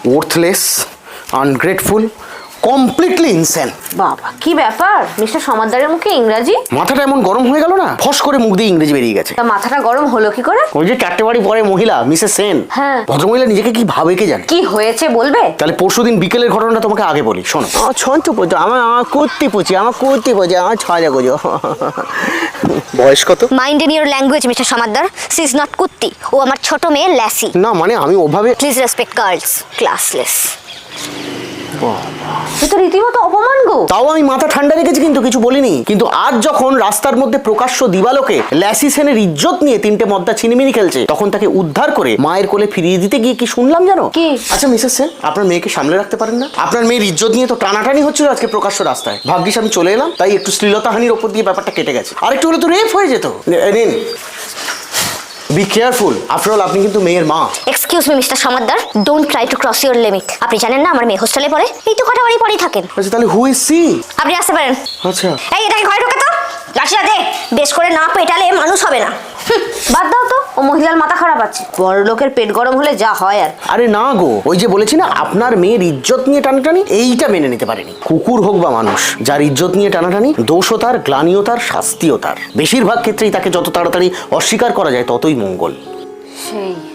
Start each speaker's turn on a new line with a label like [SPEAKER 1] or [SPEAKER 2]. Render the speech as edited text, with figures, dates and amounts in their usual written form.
[SPEAKER 1] Worthless, ungrateful, completely insane.
[SPEAKER 2] বাবা কি ব্যাপার, মিস্টার সমাদ্দারের মুখে ইংরাজি?
[SPEAKER 1] মাথাটা এমন গরম হয়ে গেল না, ফস করে মুখ দিয়ে ইংরেজি বেরিয়ে গেছে।
[SPEAKER 2] তা মাথাটা গরম হলো কি করে?
[SPEAKER 1] ওই যে 4টে বাড়ি পরে মহিলা মিসেস সেন,
[SPEAKER 2] হ্যাঁ।
[SPEAKER 1] ভদ্রমহিলা নিজেকে কি ভাবে কে জানে।
[SPEAKER 2] কি হয়েছে বলবে?
[SPEAKER 1] তাহলে পরশুদিন বিকেলের ঘটনাটা তোমাকে আগে বলি, শোনো।
[SPEAKER 3] আমার ছন্ত পুজো, আমার কুর্তি পুচি, আমার 6 পুজো।
[SPEAKER 1] বয়স কত?
[SPEAKER 4] Mind in your language mister Samaddar, she is not কুত্তি, ও আমার ছোট মেয়ে ল্যাসি।
[SPEAKER 1] না মানে আমি ওভাবে।
[SPEAKER 4] Please respect girls, classless.
[SPEAKER 2] সে তো রীতিমতো অপমান গো।
[SPEAKER 1] তাও আমি মাথা ঠান্ডা রেখেছি, কিন্তু কিছু বলিনি। কিন্তু আজ যখন রাস্তার মধ্যে প্রকাশ্য দিবালোকে ল্যাসি সেনের ইজ্জত নিয়ে 3টে মদ্দা ছিনিমিনি খেলছে, তখন তাকে উদ্ধার করে মায়ের কোলে ফিরিয়ে দিতে গিয়ে কি শুনলাম জানো?
[SPEAKER 2] কি?
[SPEAKER 1] আচ্ছা মিসেস সেন, আপনার মেয়েকে সামলে রাখতে পারেন না? আপনার মেয়ের ইজ্জত নিয়ে তো টানাটানি হচ্ছিল আজকে প্রকাশ্য রাস্তায়। ভাগ্যিস আমি চলে এলাম, তাই একটু শ্লীলতাহানির ওপর দিয়ে ব্যাপারটা কেটে গেছে। আর একটু হলে তো রেপ হয়ে যেত। নিন, বি কেয়ারফুল, আফটার অল আপনি কিন্তু মেয়ের মা।
[SPEAKER 4] Excuse me mister Samaddar, don't try to cross your limit. আপনি জানেন না আমার মেয়ে হোস্টেলে পড়ে? এই তো কটা বাড়ি পরেই থাকেন।
[SPEAKER 1] আচ্ছা তাহলে হু ইজ সি?
[SPEAKER 4] আপনি আসতে পারেন।
[SPEAKER 1] আচ্ছা
[SPEAKER 4] এই এটাকে ঘরে ঢোকে তো, লাঠিটা দে। বেশ করে না পেটালে মানুষ হবে না।
[SPEAKER 2] বাদ দাও তো, ও মহিলার মাথা খারাপ আছে। বড় লোকের পেট গরম হলে যা হয় আর।
[SPEAKER 1] আরে না গো, ওই যে বলেছি না আপনার মেয়ের ইজ্জত নিয়ে টানাটানি, এইটা মেনে নিতে পারেনি। কুকুর হোক বা মানুষ, যার ইজ্জত নিয়ে টানাটানি, দোষও তার, গ্লানিও তার, শাস্তিও তার। বেশিরভাগ ক্ষেত্রেই তাকে যত তাড়াতাড়ি অস্বীকার করা যায় ততই মঙ্গল।
[SPEAKER 2] সেই